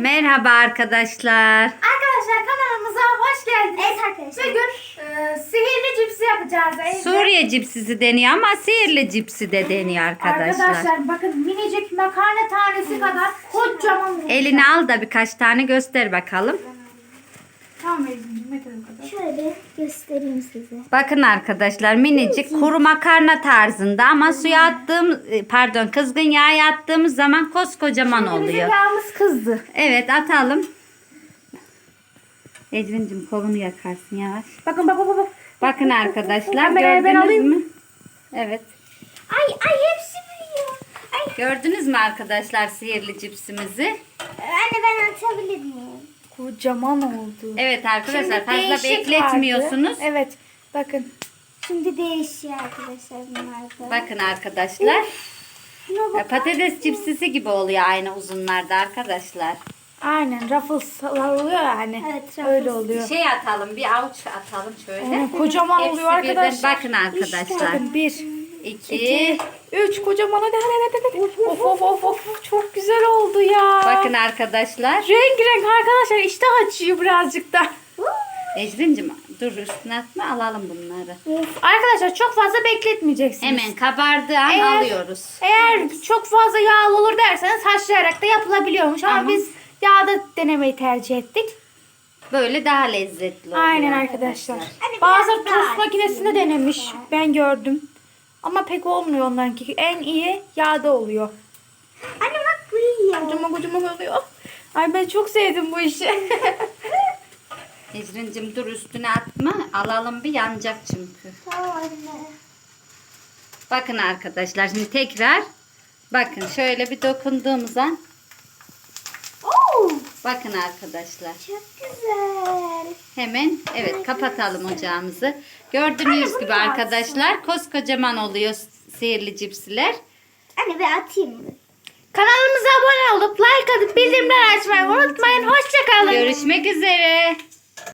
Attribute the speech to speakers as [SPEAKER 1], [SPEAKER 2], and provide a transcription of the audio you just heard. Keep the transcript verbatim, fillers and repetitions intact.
[SPEAKER 1] Merhaba arkadaşlar.
[SPEAKER 2] Arkadaşlar kanalımıza hoş geldiniz.
[SPEAKER 3] Evet arkadaşlar.
[SPEAKER 2] Bugün e, sihirli cipsi yapacağız. evde.
[SPEAKER 1] Suriye cipsisi deniyor ama sihirli cipsi de deniyor arkadaşlar.
[SPEAKER 2] Arkadaşlar bakın minicik makarna tanesi kadar kocaman.
[SPEAKER 1] Elini al da birkaç tane göster bakalım.
[SPEAKER 2] Tamam Ecrin'cim ne kadar o kadar.
[SPEAKER 3] Şöyle göstereyim size.
[SPEAKER 1] Bakın arkadaşlar minicik kuru makarna tarzında ama suya attığım pardon kızgın yağa attığımız zaman koskocaman
[SPEAKER 2] Şimdi bizim
[SPEAKER 1] oluyor.
[SPEAKER 2] yağımız kızdı.
[SPEAKER 1] Evet atalım. Ecrin'cim kolunu yakarsın yavaş.
[SPEAKER 2] Bakın bak bak bak.
[SPEAKER 1] Bakın arkadaşlar
[SPEAKER 2] Kamerayı ben
[SPEAKER 1] gördünüz
[SPEAKER 2] alayım.
[SPEAKER 1] mü? Evet.
[SPEAKER 3] Ay ay hepsi büyüyor. Ay
[SPEAKER 1] Gördünüz mü arkadaşlar sihirli cipsimizi?
[SPEAKER 3] anne ben atabilir miyim?
[SPEAKER 2] Kocaman oldu.
[SPEAKER 1] Evet arkadaşlar
[SPEAKER 2] Şimdi
[SPEAKER 1] fazla
[SPEAKER 2] değişik
[SPEAKER 1] bekletmiyorsunuz.
[SPEAKER 2] vardı. Evet. Bakın.
[SPEAKER 3] Şimdi değişiyor arkadaşlar bunlar da.
[SPEAKER 1] Bakın arkadaşlar.
[SPEAKER 3] Şuna bak.
[SPEAKER 1] Patates cipsisi gibi oluyor aynı uzunlarda arkadaşlar.
[SPEAKER 2] Aynen Ruffles oluyor yani.
[SPEAKER 3] Evet, Ruffles.
[SPEAKER 2] Öyle oluyor.
[SPEAKER 1] Şey atalım bir avuç atalım şöyle.
[SPEAKER 2] Aynen, kocaman
[SPEAKER 1] Hepsi
[SPEAKER 2] oluyor
[SPEAKER 1] birden-
[SPEAKER 2] arkadaşlar.
[SPEAKER 1] Bakın arkadaşlar.
[SPEAKER 2] Bakın bir,
[SPEAKER 1] İki.
[SPEAKER 2] iki, üç kocaman hadi hadi hadi. hadi. Of of of of çok güzel oldu ya.
[SPEAKER 1] Bakın arkadaşlar.
[SPEAKER 2] Renk renk arkadaşlar iştah açıyor birazcık da.
[SPEAKER 1] Ecrin'cim dur üstüne atma alalım bunları.
[SPEAKER 2] Of, arkadaşlar çok fazla bekletmeyeceksiniz.
[SPEAKER 1] Hemen kabardığı an
[SPEAKER 2] Eğer-
[SPEAKER 1] alıyoruz.
[SPEAKER 2] Eğer çok fazla yağlı olur derseniz haşlayarak da yapılabiliyormuş ama
[SPEAKER 1] Ama-
[SPEAKER 2] biz yağda denemeyi tercih ettik.
[SPEAKER 1] Böyle daha lezzetli oluyor.
[SPEAKER 2] Aynen arkadaşlar.
[SPEAKER 3] Hani
[SPEAKER 2] Bazıları
[SPEAKER 3] biraz daha
[SPEAKER 2] tost makinesinde denemiş. Ben gördüm. Ama pek olmuyor onlarınki. En iyi yağda oluyor.
[SPEAKER 3] Anne bak büyüyor.
[SPEAKER 2] Kocaman kocaman oluyor. Ay ben çok sevdim bu işi.
[SPEAKER 1] Ecrin'cim dur üstüne atma. Alalım bir yanacak çünkü.
[SPEAKER 3] Tamam anne.
[SPEAKER 1] Bakın arkadaşlar şimdi tekrar. Bakın şöyle bir dokunduğumuz an.
[SPEAKER 3] Oo,
[SPEAKER 1] Bakın arkadaşlar.
[SPEAKER 3] çok güzel.
[SPEAKER 1] Hemen evet kapatalım ocağımızı. Gördüğünüz gibi
[SPEAKER 3] bunu
[SPEAKER 1] arkadaşlar koskocaman oluyor sihirli cipsiler.
[SPEAKER 3] Anne bir atayım mı?
[SPEAKER 2] Kanalımıza abone olup like atıp bildirimler açmayı unutmayın. Hoşçakalın.
[SPEAKER 1] Görüşmek üzere.